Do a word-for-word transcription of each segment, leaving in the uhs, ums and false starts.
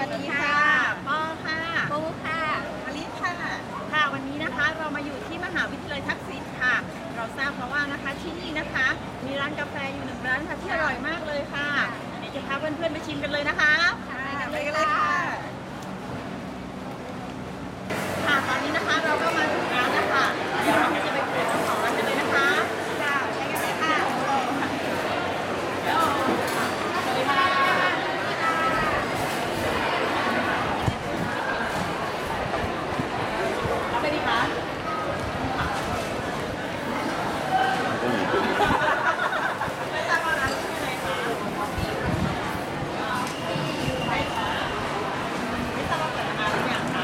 สดีค่ะปอค่ะปูค่ะมะลิค่ะค่ะวันนี้นะคะเรามาอยู่ที่มหาวิทยาลัยทักษิณค่ะเราทราบมาว่านะคะที่นี่นะคะมีร้านกาแฟอยู่หนึ่งร้านค่ะที่อร่อยมากเลยค่ะเดี๋ยวจะพาเพื่อนๆไปชิมกันเลยนะคะไปกันเลยค่ะค่ะตอนนี้นะคะเราก็มาถึงร้านแล้วค่ะเดี๋ยวเราจะไปคุยกับเจ้าของร้านกันเลยนะคะค่ะใช่กันเลยค่ะสวัสดีค่ะรับไปดีคะไม่ทราบว่าร้านชื่ออะไรคะไม่ทราบว่าเปิดมานานหรือยังคะ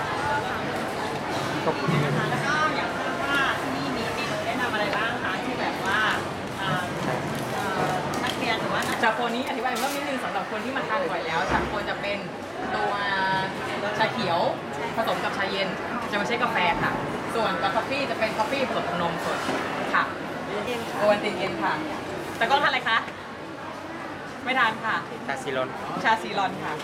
ขอบคุณนะคะแล้วก็อยากทราบว่าที่นี่มีเมนูแนะนำอะไรบ้างคะที่แบบว่านักเรียนหรือว่าชาโคนี้อธิบายเพิ่มนิดนึงสำหรับคนที่มาทานบ่อยแล้วชาโคจะเป็นตัวชาเขียวผสมกับชาเย็นจะไม่ใช่กาแฟค่ะส่วนกับกาแฟจะเป็นกาแฟผสมนมสดค่ะโอวัลตินเย็นค่ะแต่ก็ทานอะไรคะไม่ทานค่ะชาซีรอนชาซีรอนค่ะ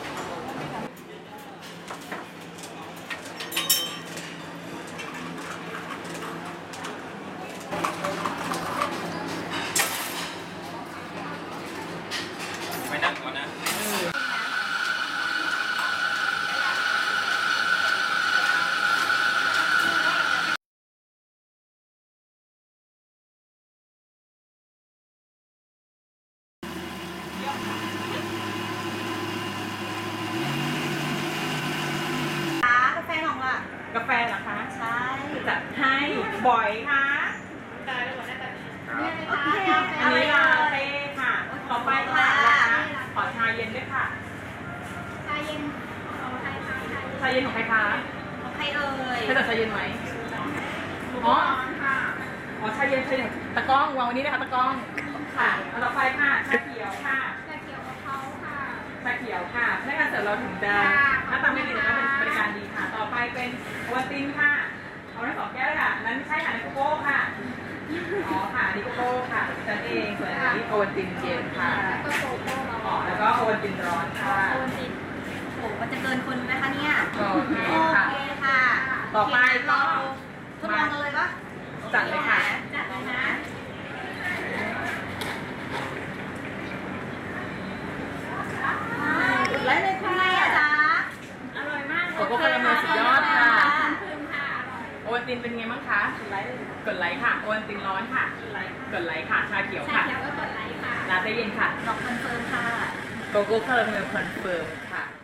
ไม่นั่งก่อนนะกาแฟของล่ะกาแฟเหรอคะใช่จัดให้บ่อยค่ะโอเคอันนี้ลาเต้ค่ะต่อไปค่ะขอชาเย็นด้วยค่ะชาเย็นของใครคะชาเย็นของใครคะของใครเอ่ยใครจัดชาเย็นไหมอ๋อค่ะอ๋อชาเย็นชาเย็นตะกร้องวางวันนี้นะคะตะกร้องค่ะต่อไปค่ะชาเขียวค่ะชาเขียวกะเพราค่ะชาเขียวค่ะพนักงานเสิร์ฟเราถึงจะหน้าตาไม่ดีแต่ก็เป็นบริการดีค่ะต่อไปเป็นโอวัลตินค่ะเอาทั้งสองแก้วค่ะนั้นใช่ค่ะในโกโก้ค่ะอ๋อค่ะนี่โกโก้ค่ะฉันเองส่วนอันนี้โอวัลตินเย็นค่ะก็โกโก้อ๋อแล้วก็โอวัลตินร้อนค่ะโอวัลตินโอ้มันจะเกินคนไหมคะเนี่ยโอเคค่ะโอเคค่ะต่อไปก็ทดลองกันเลยปะจัดเลยค่ะจัดเลยนะแล้วในคุณไงอะจ๊ะอร่อยมากโกโก้คาราเมลสุดยอดค่ะคืนค่ะโอวัลตินเป็นไงบ้างคะกดไลค์กดไลค์ค่ะโอวัลตินร้อนค่ะกดไลค์กดไลค์ค่ะชาเขียวค่ะชาเขียวก็กดไลค์ค่ะลาเต้เย็นค่ะดอกคอนเฟิร์มค่ะโกโก้คาราเมลคอนเฟิร์มค่ะ